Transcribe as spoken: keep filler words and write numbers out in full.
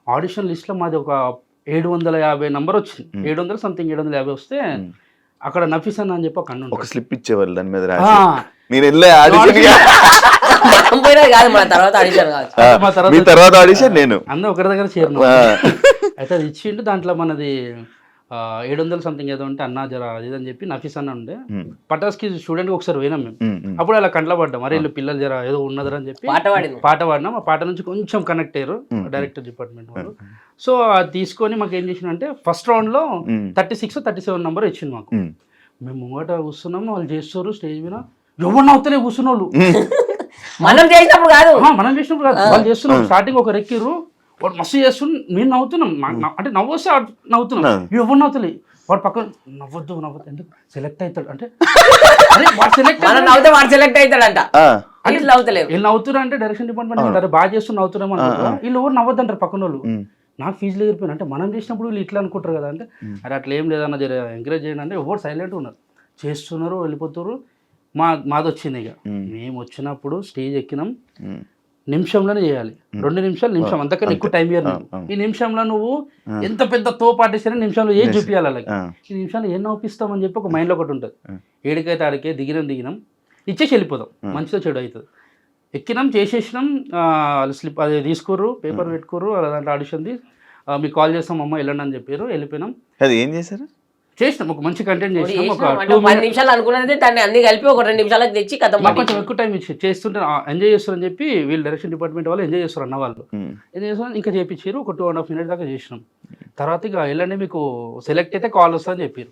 Audition లిస్ట్లో మాది ఒక ఏడు వందల యాభై నంబర్ వచ్చింది. ఏడు వందల సంథింగ్ ఏడు వందల యాభై వస్తే అక్కడ నఫీస్ అన్న అని చెప్పి ఒక అన్న ఒక స్లిప్ ఇచ్చేవాళ్ళు దాని మీద ఆ, రాసి నేను వెళ్ళే ఆడిషన్ మనం పోయినా కాదు మన తర్వాత ఆడిషన్ కాదు. మా తర్వాత మీ తర్వాత ఆడిషన్ నేను అన్న ఒకరి దగ్గర చేరిన ఆ. అయితే అది ఇచ్చిండు. దాంట్లో మనది ఏడు వందలు సంథింగ్ ఏదో ఉంటే అన్న జర అది ఇది అని చెప్పి నఫీస్ అన్న ఉండే ఉమ్, పటాస్కి స్టూడెంట్కి ఒకసారి పోయినాం మేము. ఉమ్, ఉమ్, అప్పుడు అలా కంట్లో పడ్డాం, అరే వీళ్ళు పిల్లలు జర ఏదో ఉన్నదని అని చెప్పి పాట పాడింది. పాట పాడినాం. ఆ పాట నుంచి కొంచెం కనెక్ట్ అయ్యారు Hmm. డైరెక్టర్ డిపార్ట్మెంట్ వాళ్ళు. సో అది తీసుకొని మాకు ఏం చేసిందంటే ఫస్ట్ రౌండ్లో ఉమ్, thirty six thirty seven number ఇచ్చింది మాకు. ఉమ్, మేము ముంగట కూర్చున్నాము, వాళ్ళు చేస్తారు స్టేజ్ మీద, ఎవరిని అవుతానే కూర్చున్న వాళ్ళు. మనం చేసినప్పుడు కాదు, ఆ, మనం చేసినప్పుడు కాదు, వాళ్ళు చేస్తున్నాం. స్టార్టింగ్ ఒక రెక్కిర్రు, వాడు మస్తు చేస్తున్నారు, మేము నవ్వుతున్నాం. మా- నా- అంటే నవ్వు వస్తే వాడు నవ్వుతున్నాం, ఎవరు నవ్వుతలే. వాడు పక్కన నవ్వద్దు నవ్వద్దు ఎందుకు సెలెక్ట్ అవుతాడు అంటే అరే వాడు సెలెక్ట్ మనం నవ్వుతే వాడు సెలెక్ట్ అవుతాడంట. ఆ, వీళ్ళు నవ్వుతలేరు. వీళ్ళు నవ్వుతున్నారు అంటే డైరెక్షన్ డిపార్ట్మెంట్ అంటారు బాగా చేస్తూ నవ్వుతున్నాం అనుకుంటారు. వీళ్ళు ఎవరు నవ్వద్దంటారు పక్కన వాళ్ళు. ఉమ్, నాకు ఫీజులు ఎగిరిపోయినా అంటే మనం చేసినప్పుడు వీళ్ళు ఇట్లా అనుకుంటారు కదా అంటే అరే అట్లా ఏం లేదన్న జర ఎంకరేజ్ చేయండి అంటే ఎవరు సైలెంట్ ఉన్నారు, చేస్తున్నారు, వెళ్ళిపోతారు. మా మాది వచ్చింది ఇక మేము వచ్చినప్పుడు స్టేజ్ ఎక్కినాం, ఉమ్, నిమిషంలోనే చేయాలి. రెండు నిమిషాలు నిమిషం అంతకన్నా ఎక్కువ టైం ఇయ్యరు నాకు. ఈ నిమిషంలో నువ్వు ఎంత పెద్ద తో పాటిస్తే నిమిషంలో ఏం చూపించాలి అలాగే. ఆ, ఈ నిమిషాలు ఏం నవ్విస్తామని చెప్పి ఒక మైండ్లో ఒకటి ఉంటుంది. ఏడికైతే ఆడికే దిగినాం దిగినాం ఇచ్చేసి వెళ్ళిపోదాం, మంచిగా చెడు అవుతుంది. ఎక్కినాం చేసేసినాం, స్లిప్ అది తీసుకుర్రు, పేపర్ పెట్టుకుర్రు, అలా దాంట్లో ఆడిషన్ది మీకు కాల్ చేస్తాం అమ్మ వెళ్ళండి అని చెప్పారు. వెళ్ళిపోయినాం, అది ఏం చేశారు? చేసినాం ఒక మంచి కంటెంట్ చేసినాం. ఒక చేసినాం అంటే టూ పది నిమిషాలు అనుకున్నది దాన్ని అన్ని కలిపి ఒక రెండు నిమిషాలకు తెచ్చి కథ మాకు కొంచెం ఎక్కువ టైం ఇచ్చి చేస్తుంటే ఎంజాయ్ చేస్తారని చెప్పి వీళ్ళు డైరెక్షన్ డిపార్ట్మెంట్ వాళ్ళు ఎంజాయ్ చేస్తారు అన్న వాళ్ళు. ఉమ్, ఎంజాయ్ చేస్తారు ఇంకా చేయించారు. ఒక టూ అండ్ హాఫ్ మినిట్ దాకా చేసినాం. తర్వాత ఇక వెళ్ళండి మీకు సెలెక్ట్ అయితే కాల్ వస్తుందని చెప్పారు.